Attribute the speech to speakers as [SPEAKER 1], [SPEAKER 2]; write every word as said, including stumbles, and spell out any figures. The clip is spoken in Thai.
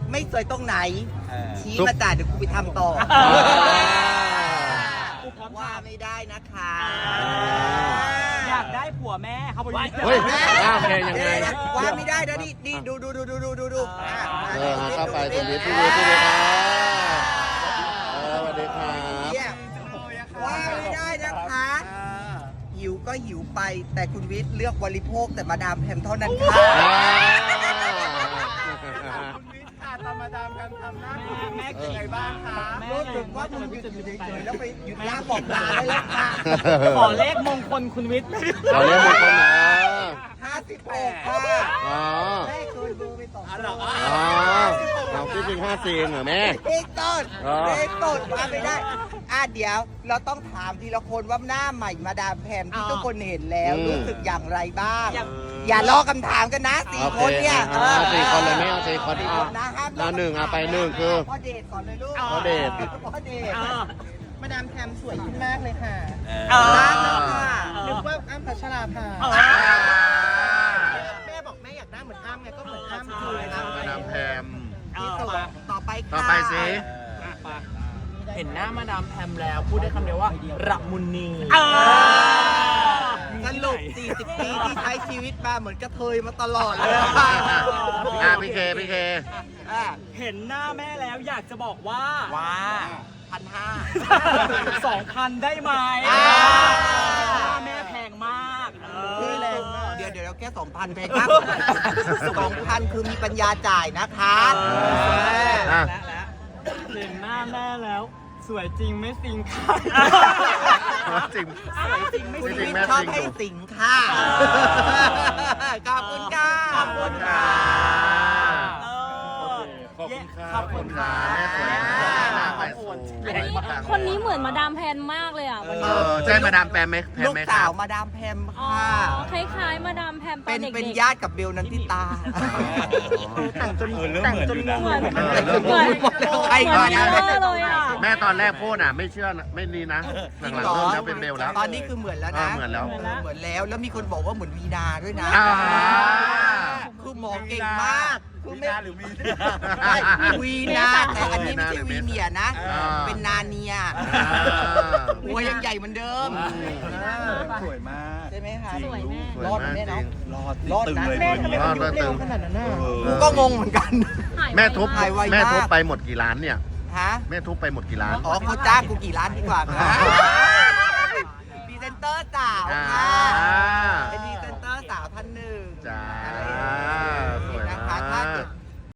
[SPEAKER 1] ไม่สวยตรงไหนชี้มาจ่าเดี๋ยวกูไปทำต่อว่าไม่ได้นะคะ
[SPEAKER 2] อยากได้ผัวแม่เขาบอกว่า
[SPEAKER 3] เฮ้ยว่าไงยังไง
[SPEAKER 1] ว่าไม่ได้นะนี่นี่ดูดูดูดูดูดูดู
[SPEAKER 3] เออเข้าไปตรงนี้ที่นี่ที่นี่ครับสวัสดีครับ
[SPEAKER 1] ว่าไม่ได้นะคะหิวก็หิวไปแต่คุณวิทย์เลือกบริโภคแต่มาดามแพมเท่านั้นค่ะ
[SPEAKER 4] ตามมาดามกันทำหน้าที่แม่เก่งไงบ้างคะ
[SPEAKER 1] รู้สึกว่ามึงหยุดอยู่เฉยๆแล้วไปหยุดล่าบอกลาได้แล้วค่ะ
[SPEAKER 2] ขอเลขมงคลคุณวิทย์
[SPEAKER 3] ขอเรียกมงคลนะ
[SPEAKER 1] ห้าสิบหกค่ะ
[SPEAKER 3] อ๋อ
[SPEAKER 1] แม่เคยดูไปสองตัว
[SPEAKER 3] อ๋อเราคิดจริงห้าสี่เหรอแม่
[SPEAKER 1] เอกต้นเอกต้นมาไม่ได้อ่ะเดี๋ยวเราต้องถามทีละคนว่าหน้าใหม่มาดามแพมที่ทุกคนเห็นแล้วรู้สึกอย่างไรบ้างอย่าลอกคำถามกันนะสี่คนเนี่ย
[SPEAKER 3] สี่คนเลยแม่เอาสี่คนเอา
[SPEAKER 1] นะห้าม
[SPEAKER 3] เอาหนึ่งเอาไปหนึ่งคือ
[SPEAKER 1] พ่อเดชก่อนเลยลูก
[SPEAKER 3] พ่อเดช
[SPEAKER 1] พ่อเดช
[SPEAKER 4] มาดามแพมสวยขึ้นมากเลยค่ะ
[SPEAKER 1] ร้านแล้วค่ะ
[SPEAKER 4] นึกว่าอ้ำพัชราภาแม่บอกแม่อยากหน้าเหมือนอ้ำไงก็เหมือนอ้ำคืออ้ำ
[SPEAKER 3] มาดามแพม
[SPEAKER 1] ที่สุดต่อไปค่ะ
[SPEAKER 3] ต่อไปสิ
[SPEAKER 2] เห็นหน้ามาดามแพมแล้วพูดได้คำเดียวว่าระมุนี
[SPEAKER 1] สรุปสี่สิบปีที่ใช้ชีวิตมาเหมือนกระเทยมาตลอดเลยค่ะ
[SPEAKER 3] อ่ะพี่เคพี่เค
[SPEAKER 1] อ่ะ
[SPEAKER 2] เห็นหน้าแม่แล้วอยากจะบอกว่า
[SPEAKER 1] ว่าพันห้า
[SPEAKER 2] สองพันได้ไหม
[SPEAKER 1] อ่า
[SPEAKER 2] หน้าแม่แพงมากเออ
[SPEAKER 1] เดี๋ยวเดี๋ยวเราแค่สองพันเพงครับสองพันคือมีปัญญาจ่ายนะคะ
[SPEAKER 3] อ่ะ
[SPEAKER 2] และและเห็นหน้าแม่แล้ว สวยจริงไม่สิงค่ะ
[SPEAKER 3] จริง
[SPEAKER 1] คุณวิทย์ชอบให้สิงค่ะขอบคุณค่ะ
[SPEAKER 2] ขอบคุณค่ะ
[SPEAKER 3] ขอบคุณค่ะ
[SPEAKER 2] ขอบคุณค่ะ
[SPEAKER 3] แม่สวยหน้าใหม่สวย
[SPEAKER 5] คนนี้เหมือนมาดามแพนมากเลยอ่ะวัน
[SPEAKER 3] เอ
[SPEAKER 5] นี้
[SPEAKER 3] อใช่มาดามแพมไหมแพม
[SPEAKER 1] ลูก
[SPEAKER 3] ไหมค
[SPEAKER 1] สา
[SPEAKER 3] รั
[SPEAKER 1] ว
[SPEAKER 3] บ
[SPEAKER 1] มาดามแพม
[SPEAKER 5] อ๋อ
[SPEAKER 1] ค่ะ
[SPEAKER 5] คล้ายๆมาดามแพมตอ
[SPEAKER 1] เป็น น
[SPEAKER 5] เด็กๆ
[SPEAKER 1] เป็นญาติกับเบลนันทิตา
[SPEAKER 4] แต่งจนแต่งจนงง
[SPEAKER 5] เหมือน
[SPEAKER 1] เหมือน
[SPEAKER 5] เหมือน
[SPEAKER 1] ใคร
[SPEAKER 5] เหมื
[SPEAKER 1] ก่
[SPEAKER 5] อ
[SPEAKER 1] อน น
[SPEAKER 5] เว
[SPEAKER 1] นะ
[SPEAKER 5] อร์เลยอ่ะ
[SPEAKER 3] แม่ตอนแรกพูดอ่ะไม่เชื่อนะไม่นี่นะหลังๆเริ่มแล้วเป็นเบลแล้ว
[SPEAKER 1] ตอนนี้คือเหมือนแล้ว
[SPEAKER 3] อ่า
[SPEAKER 1] นะ
[SPEAKER 3] เหมือนแล้ว
[SPEAKER 1] เหมือนแล้วแล้วมีคนบอกว่าเหมือนวีนาด้วยนะ
[SPEAKER 3] อ่า
[SPEAKER 1] คือหมอเก่งมากคือไม่
[SPEAKER 4] หรือมี
[SPEAKER 1] ใช่วีนาแต่อันนี้ไม่ใช่วีเนียนะ
[SPEAKER 3] อ่า
[SPEAKER 1] เป็นนาเนีย
[SPEAKER 3] อ่า
[SPEAKER 1] หัวยังใหญ่เหมือนเดิม
[SPEAKER 4] สวยมาก
[SPEAKER 1] ใช่ไหมคะ
[SPEAKER 5] สวยแม่
[SPEAKER 3] สวย
[SPEAKER 1] รอด
[SPEAKER 3] มาก
[SPEAKER 1] ไหม
[SPEAKER 3] จ
[SPEAKER 1] เนาะ
[SPEAKER 3] ริง
[SPEAKER 4] รอด
[SPEAKER 1] รอดนะ
[SPEAKER 4] แม่ทำไม
[SPEAKER 3] รอด
[SPEAKER 4] มัน
[SPEAKER 3] เลย
[SPEAKER 4] เร็วขนาดนั้นน่ะ
[SPEAKER 1] กูก็งงเหมือนกัน
[SPEAKER 5] หายไว
[SPEAKER 3] แม่ทุบ
[SPEAKER 1] หายไวมาก
[SPEAKER 3] แม่ทุบไปหมดกี่ล้านเนี่ย
[SPEAKER 1] ฮะ
[SPEAKER 3] แม่ทุบไปหมดกี่ล้าน
[SPEAKER 1] อ๋อเขาจ้างกูกี่ล้านดีกว่าค่ะพรีเซนเตอร์สาว
[SPEAKER 3] อ่า
[SPEAKER 1] ค่ะ